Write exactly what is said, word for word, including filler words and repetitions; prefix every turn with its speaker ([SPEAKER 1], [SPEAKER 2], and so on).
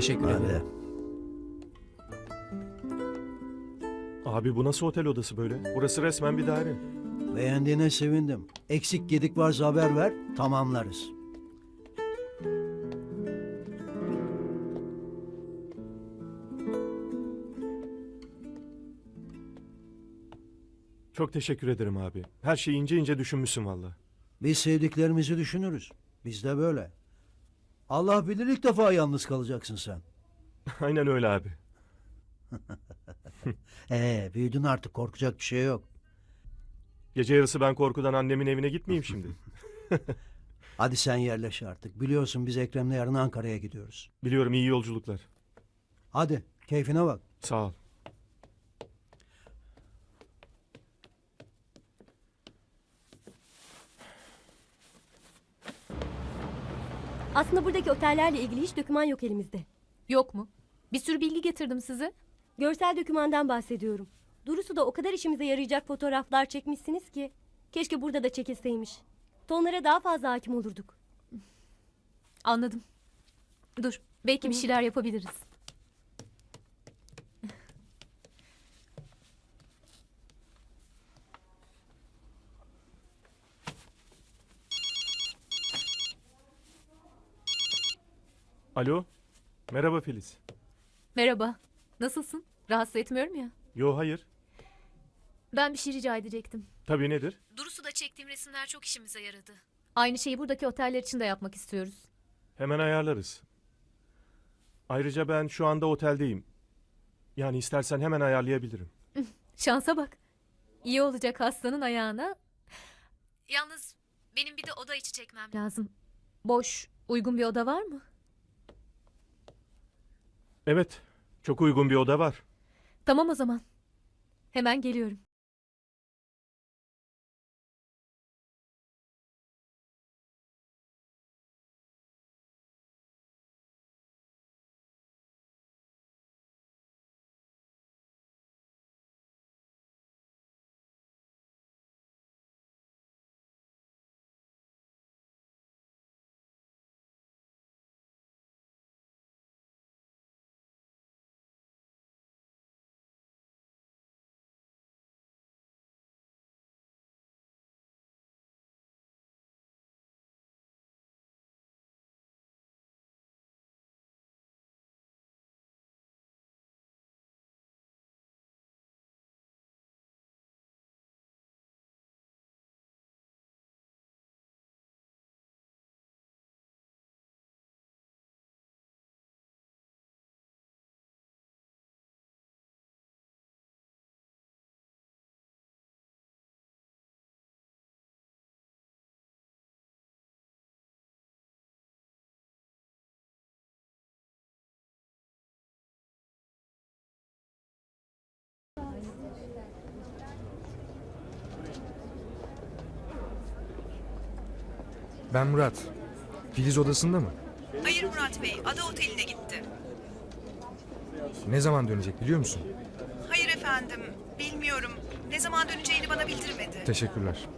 [SPEAKER 1] Teşekkür
[SPEAKER 2] Hadi.
[SPEAKER 1] ederim.
[SPEAKER 3] Abi bu nasıl otel odası böyle? Burası resmen bir daire.
[SPEAKER 2] Beğendiğine sevindim. Eksik gedik varsa haber ver, tamamlarız.
[SPEAKER 3] Çok teşekkür ederim abi. Her şeyi ince ince düşünmüşsün valla.
[SPEAKER 2] Biz sevdiklerimizi düşünürüz. Biz de böyle. Allah bilir ilk defa yalnız kalacaksın sen.
[SPEAKER 3] Aynen öyle abi.
[SPEAKER 2] Ee, büyüdün artık, korkacak bir şey yok.
[SPEAKER 3] Gece yarısı ben korkudan annemin evine gitmeyeyim şimdi.
[SPEAKER 2] Hadi sen yerleş artık. Biliyorsun biz Ekrem'le yarın Ankara'ya gidiyoruz.
[SPEAKER 3] Biliyorum, iyi yolculuklar.
[SPEAKER 2] Hadi keyfine bak.
[SPEAKER 3] Sağ ol.
[SPEAKER 4] Aslında buradaki otellerle ilgili hiç doküman yok elimizde.
[SPEAKER 5] Yok mu? Bir sürü bilgi getirdim size.
[SPEAKER 4] Görsel dokümandan bahsediyorum. Durusu da o kadar işimize yarayacak fotoğraflar çekmişsiniz ki. Keşke burada da çekilseymiş. Tonlara daha fazla hakim olurduk.
[SPEAKER 5] Anladım. Dur, belki bir şeyler yapabiliriz.
[SPEAKER 3] Alo. Merhaba Filiz.
[SPEAKER 5] Merhaba. Nasılsın? Rahatsız etmiyorum ya.
[SPEAKER 3] Yo, hayır.
[SPEAKER 5] Ben bir şey rica edecektim.
[SPEAKER 3] Tabii, nedir?
[SPEAKER 5] Durusu'da çektiğim resimler çok işimize yaradı. Aynı şeyi buradaki oteller için de yapmak istiyoruz.
[SPEAKER 3] Hemen ayarlarız. Ayrıca ben şu anda oteldeyim. Yani istersen hemen ayarlayabilirim.
[SPEAKER 5] Şansa bak. İyi olacak hastanın ayağına. Yalnız benim bir de oda içi çekmem lazım. Boş, uygun bir oda var mı?
[SPEAKER 3] Evet, çok uygun bir oda var.
[SPEAKER 5] Tamam o zaman. Hemen geliyorum.
[SPEAKER 1] Ben Murat. Filiz odasında mı?
[SPEAKER 6] Hayır Murat Bey, Ada Oteli'ne gitti.
[SPEAKER 1] Ne zaman dönecek biliyor musun?
[SPEAKER 6] Hayır efendim, bilmiyorum. Ne zaman döneceğini bana bildirmedi.
[SPEAKER 1] Teşekkürler.